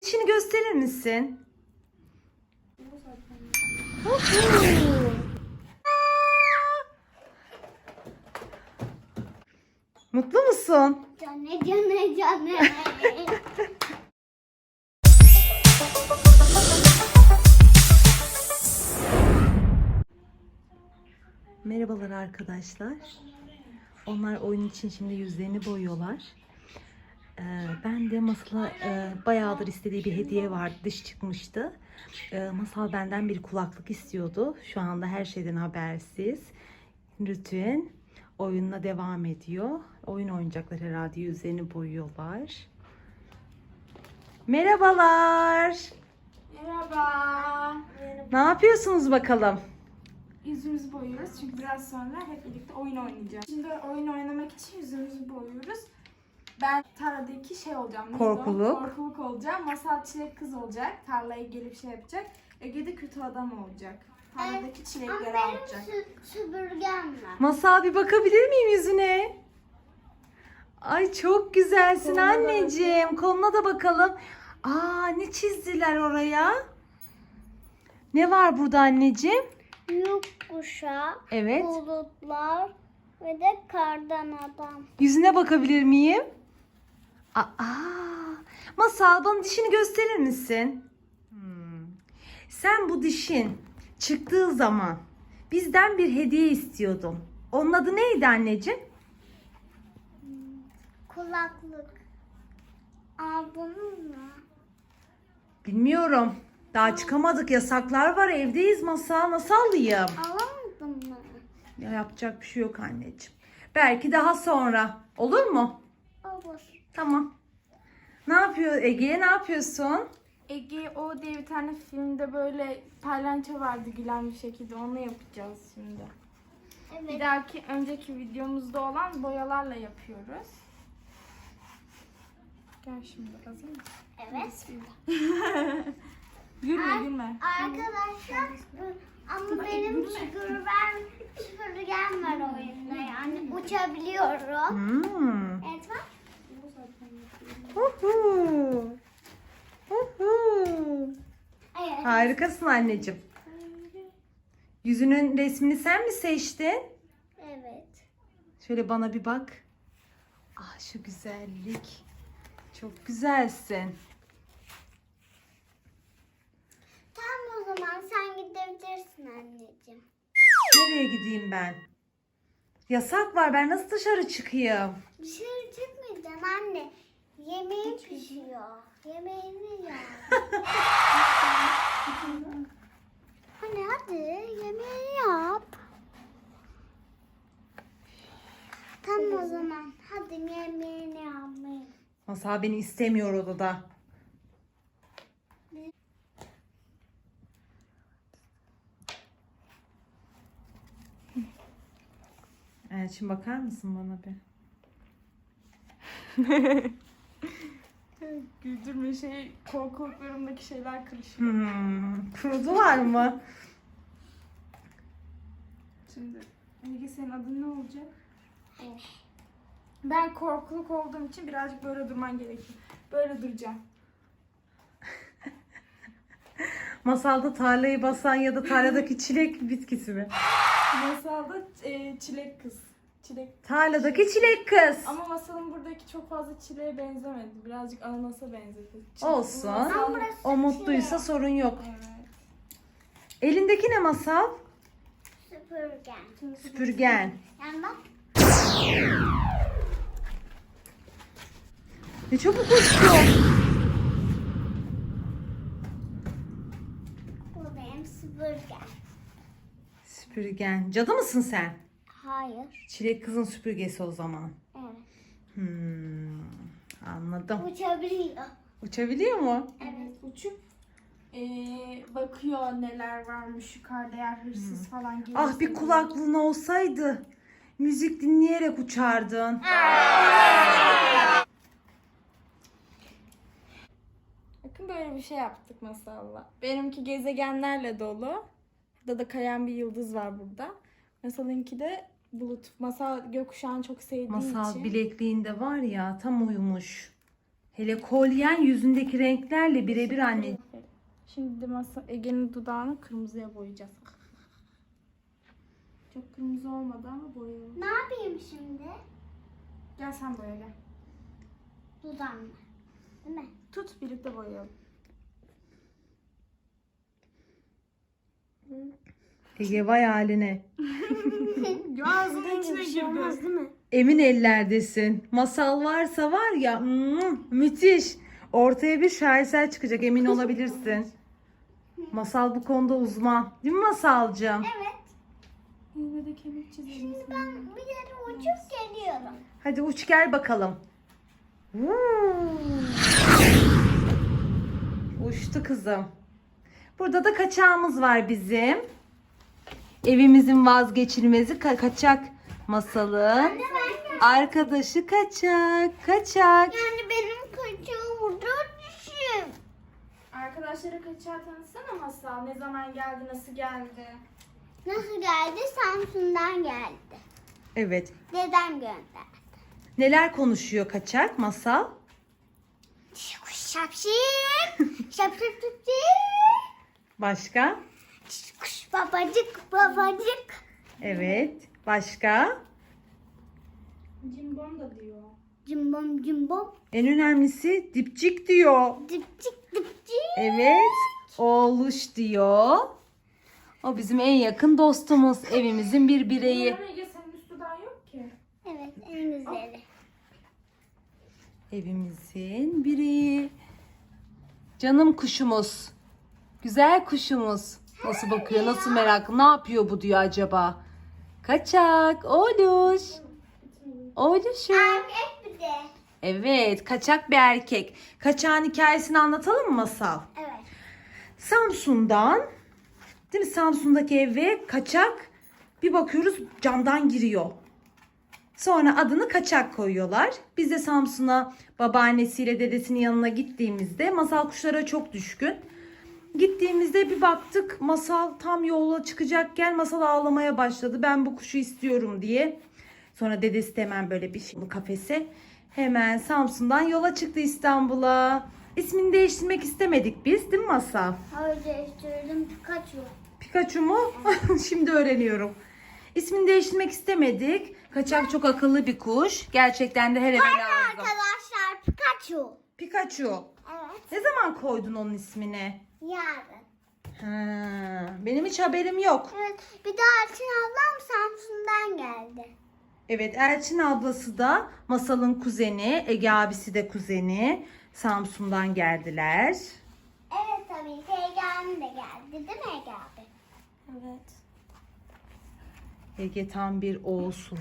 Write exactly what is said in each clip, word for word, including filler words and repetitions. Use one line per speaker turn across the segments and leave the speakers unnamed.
dişini gösterir misin? Mutlu musun?
Canı canı canı.
Merhabalar arkadaşlar. Onlar oyun için şimdi yüzlerini boyuyorlar. Ee, ben de Masal'a e, bayağıdır istediği bir hediye vardı. Dış çıkmıştı. Ee, Masal benden bir kulaklık istiyordu. Şu anda her şeyden habersiz. Rutin oyununa devam ediyor. Oyun oynayacaklar herhalde. Yüzlerini boyuyorlar. Merhabalar.
Merhaba.
Ne yapıyorsunuz bakalım?
Yüzümüzü boyuyoruz çünkü biraz sonra hep birlikte oyun oynayacağız. Şimdi oyun oynamak için yüzümüzü boyuyoruz. Ben tarladaki şey olacağım. neydi o?
Korkuluk.
Korkuluk olacağım. Masal çilek kız olacak. Tarlaya gelip şey yapacak. Ege de kötü adam olacak. Tarladaki
Ama
çilekleri
benim
alacak.
sü- süpürgem var.
Masal bir bakabilir miyim yüzüne? Ay çok güzelsin
Koluna da
anneciğim. Koluna da bakalım. Aa ne çizdiler oraya? Ne var burada anneciğim?
Gökkuşağı,
Evet.
bulutlar ve de kardan adam.
Yüzüne bakabilir miyim? Aa, Masal bana dişini gösterir misin? Hmm. Sen bu dişin çıktığı zaman bizden bir hediye istiyordun. Onun adı neydi anneciğim?
Kulaklık. Aldınız mı?
Bilmiyorum. Daha çıkamadık. Yasaklar var. Evdeyiz Masal. Nasıl alayım?
Alamadın mı?
Ya yapacak bir şey yok anneciğim. Belki daha sonra. Olur mu?
Olur.
Tamam. Ne yapıyor Ege? Ne yapıyorsun?
Ege o diye bir tane filmde böyle palyaço vardı gülen bir şekilde. Onu yapacağız şimdi. Bir
Evet.
dahaki önceki videomuzda olan boyalarla yapıyoruz. Gel şimdi hazır mısın?
Evet.
Bismillah. Gülme gülme.
Arkadaşlar ama benim süpürgem, süpürgem var oyunda yani uçabiliyorum.
Hmm.
Evet bak.
Huhu. Huhu.
Evet.
Harikasın anneciğim. Yüzünün resmini sen mi seçtin?
Evet.
Şöyle bana bir bak. Ah şu güzellik. Çok güzelsin.
Tamam o zaman sen gidebilirsin anneciğim.
Nereye gideyim ben? Yasak var. Ben nasıl dışarı çıkayım?
Dışarı çıkmayacaksın anne. Yemeğin pişiyor. Yemeğini ya. Anne hadi yemeğini yap. Tamam o zaman. Hadi yemeğini yapmayın.
Masal beni istemiyor odada. Evet, şimdi bakar mısın bana bir?
Güldürme şey korkuluklarımdaki şeyler kırışıyor.
Hmm, kurudular mı?
Şimdi Ege senin adın ne olacak? Ben korkuluk olduğum için birazcık böyle durman gerekiyor. Böyle duracağım.
Masalda tarlayı basan ya da tarladaki çilek bitkisi mi?
Masalda e, çilek kız. Çilek.
Tarladaki çilek kız.
Ama masalın buradaki çok fazla çileğe benzemedi. Birazcık ananasa benzedi. Çilek-
Olsun.
Masal-
burası
O mutluysa sorun yok.
Evet.
Elindeki ne Masal?
Süpürgen.
Süpürgen.
Yani bak.
Ne çabuk uçtu.
Bu benim süpürgem.
Süpürgen. Cadı mısın sen?
Hayır.
Çilek kızın süpürgesi o zaman.
Evet.
Hmm, anladım.
Uçabiliyor.
Uçabiliyor mu?
Evet. Uçup e, bakıyor neler varmış yukarıda eğer hırsız falan gelirse.
Ah bir kulaklığın olsaydı. Müzik dinleyerek uçardın.
Bakın böyle bir şey yaptık masalla. Benimki gezegenlerle dolu. Burada da kayan bir yıldız var burada. Masalınki de bulut. Masal gökkuşağını çok sevdiği
Masal
için.
bilekliğinde var ya tam uyumuş. Hele kolyen yüzündeki renklerle birebir anne.
Şimdi de masa Ege'nin dudağını kırmızıya boyayacağız. Çok kırmızı olmadı ama boyayalım.
Ne yapayım şimdi?
Gel sen boya gel.
Dudağımla. Değil mi?
Tut birlikte boyayalım.
Ege vay haline.
Ağzının içine girdi.
Değil mi?
Emin ellerdesin. Masal varsa var ya mm, müthiş. Ortaya bir şaheser çıkacak, emin olabilirsin. Masal bu konuda uzman. Değil mi Masalcığım?
Evet.
Yine de kemik çizelim.
Ben bir yere uçup geliyorum.
Hadi uç gel bakalım. Uçtu kızım. Burada da kaçağımız var bizim. Evimizin vazgeçilmezi ka- kaçak Masal'ın. Arkadaşı kaçak. Kaçak.
Yani benim kaçağım burada düşün.
Arkadaşları kaçağı tanıtsana Masal. Ne zaman geldi, nasıl geldi?
Nasıl geldi? Samsun'dan geldi.
Evet.
Dedem gönderdi.
Neler konuşuyor kaçak Masal?
Şapşik. Şapşik.
Başka?
Kuş babacık babacık.
Evet. Başka?
Cimbom da diyor.
Cimbom cimbom.
En önemlisi dipçik diyor.
Dipçik dipçik.
Evet. Oğluş diyor. O bizim en yakın dostumuz. Evimizin bir bireyi.
Ama Ege senin üst dudağın yok ki.
Evet en güzeli.
Evimizin bireyi. Canım kuşumuz. Güzel kuşumuz. Nasıl bakıyor, nasıl meraklı, ne yapıyor bu diyor acaba? Kaçak, oğluş. Oğluşum.
Erkek bir de.
Evet, kaçak bir erkek. Kaçağın hikayesini anlatalım mı Masal?
Evet.
Samsun'dan, değil mi? Samsun'daki eve kaçak bir bakıyoruz camdan giriyor. Sonra adını kaçak koyuyorlar. Biz de Samsun'a babaannesiyle dedesinin yanına gittiğimizde Masal kuşlara çok düşkün. Gittiğimizde bir baktık Masal tam yola çıkacakken Masal ağlamaya başladı. Ben bu kuşu istiyorum diye. Sonra dedesi de hemen böyle bir şey, kafese hemen Samsun'dan yola çıktı İstanbul'a. İsmini değiştirmek istemedik biz, değil mi Masal?
Hayır değiştirdim Pikachu.
Pikachu mu? Şimdi öğreniyorum. İsmini değiştirmek istemedik. Kaçak çok akıllı bir kuş. Gerçekten de her eve lazım.
Arkadaşlar Pikachu.
Pikachu.
Evet.
Ne zaman koydun onun ismini?
Yarın.
Ha, benim hiç haberim yok.
Evet. Bir de Elçin ablam Samsun'dan geldi.
Evet, Elçin ablası da Masal'ın kuzeni. Ege abisi de kuzeni. Samsun'dan geldiler.
Evet tabii ki Ege abim de geldi değil mi Ege abi?
Evet.
Ege tam bir oğulsun.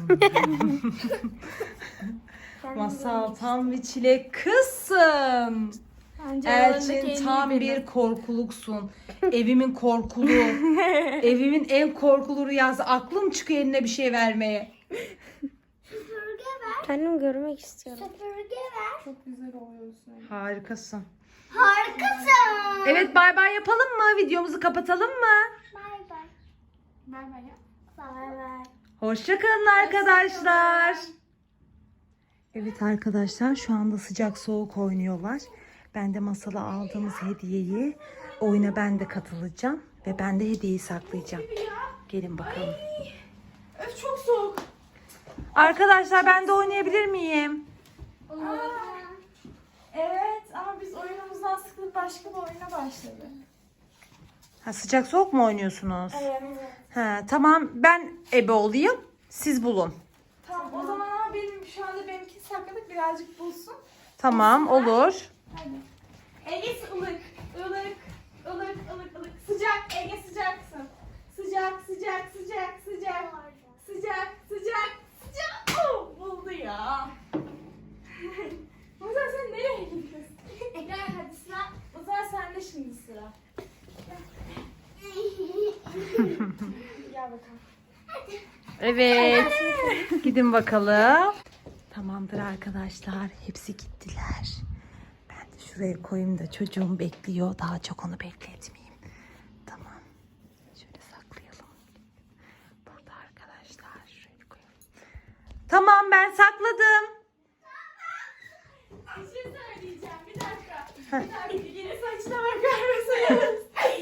Masal tam bir çilek kızsın.
Bence aralarındaki en
Elçin
iyi
tam
benim.
bir korkuluksun. Evimin korkulu. Evimin en korkulu rüyası. Aklım çıkıyor eline bir şey vermeye.
Süpürge ver.
Kendim görmek istiyorum.
Süpürge ver.
Çok güzel oluyorsun.
Harikasın.
Harikasın.
Evet, bay bay yapalım mı? Videomuzu kapatalım mı?
Bay bay.
Bay bay ya.
Bay bay.
Hoşça kalın arkadaşlar. Evet arkadaşlar, şu anda sıcak soğuk oynuyorlar. Ben de Masal'a aldığımız hediyeyi oyuna ben de katılacağım ve ben de hediyeyi saklayacağım. Gelin bakalım.
Öf çok soğuk.
Arkadaşlar ben de oynayabilir miyim?
Aa, evet ama biz oyunumuzdan sıkılıp başka bir oyuna başladık.
Ha, sıcak soğuk mu oynuyorsunuz?
Evet.
Ha, tamam, ben ebe olayım, siz bulun.
Tamam o zaman ama benim şu anda benimkini sakladık birazcık bulsun.
Tamam, olur.
Hadi. Ege ılık, ılık, ılık, ılık, ılık. Sıcak, Ege sıcaksın. Sıcak, sıcak, sıcak, sıcak. Sıcak, sıcak, sıcak. Oh, buldu ya. Ozan sen nereye gidiyorsun? Gel hadi sıra. Ozan sende şimdi sıra. Gel bakalım.
Evet. Gidin bakalım. Tamamdır arkadaşlar. Hepsi gittiler. Ben de şuraya koyayım da çocuğum bekliyor. Daha çok onu bekletmeyeyim. Tamam. Şöyle saklayalım. Burada arkadaşlar. Şuraya koyalım. Tamam, ben sakladım.
Bir şey söyleyeceğim. Hadi yine saçına bakar mısınız?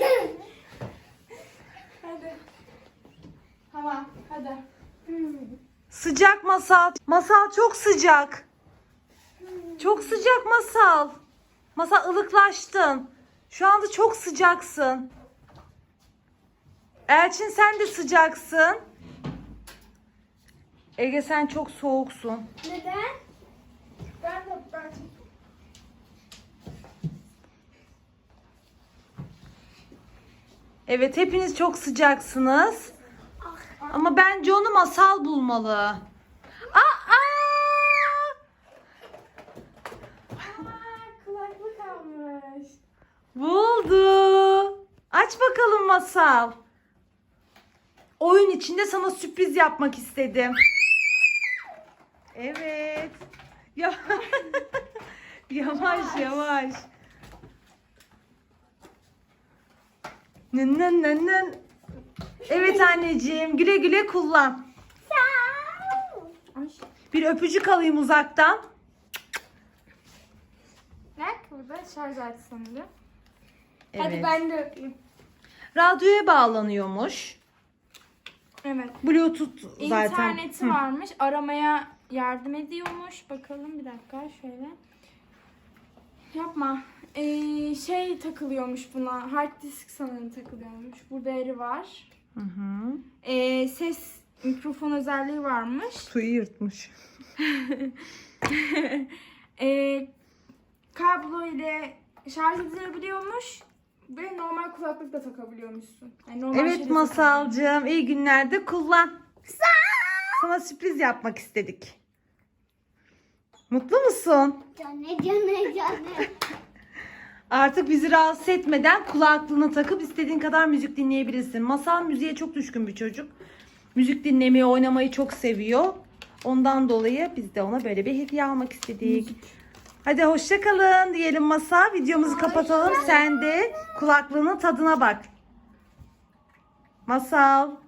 Hadi. Tamam hadi.
Sıcak Masal. Masal çok sıcak. Çok sıcak Masal. Masal ılıklaştın. Şu anda çok sıcaksın. Elçin sen de sıcaksın. Ege sen çok soğuksun.
Neden?
Ben de ben
Evet hepiniz çok sıcaksınız. Ama bence onu Masal bulmalı. Aa!
Aa, kulaklık almış.
Buldu. Aç bakalım Masal. Oyun içinde sana sürpriz yapmak istedim. Evet. Ya yavaş yavaş. Nın nın nın nın. Evet anneciğim güle güle kullan.
Ay.
Bir öpücük alayım uzaktan.
Ne? Burada şarj aleti sanırım.
Evet.
Hadi ben de öpeyim.
Radyoya bağlanıyormuş.
Evet.
Bluetooth zaten.
İnterneti
Hı.
varmış. Aramaya yardım ediyormuş. Bakalım bir dakika şöyle. Yapma. Ee, şey takılıyormuş buna. Hard disk sanırım takılıyormuş. Burada yeri var.
Hı hı.
Ee, ses mikrofon özelliği varmış.
Suyu yırtmış.
ee, kablo ile şarj edilebiliyormuş. Ve normal kulaklık da takabiliyormuşsun. Yani normal
Evet
şeyde
Masalcığım iyi günlerde kullan. Sana sürpriz yapmak istedik. Mutlu musun?
Canı canı canı.
Artık bizi rahatsız etmeden kulaklığını takıp istediğin kadar müzik dinleyebilirsin. Masal müziğe çok düşkün bir çocuk. Müzik dinlemeyi, oynamayı çok seviyor. Ondan dolayı biz de ona böyle bir hediye almak istedik. Hadi hoşça kalın diyelim Masal. Videomuzu kapatalım. Sen de kulaklığının tadına bak. Masal.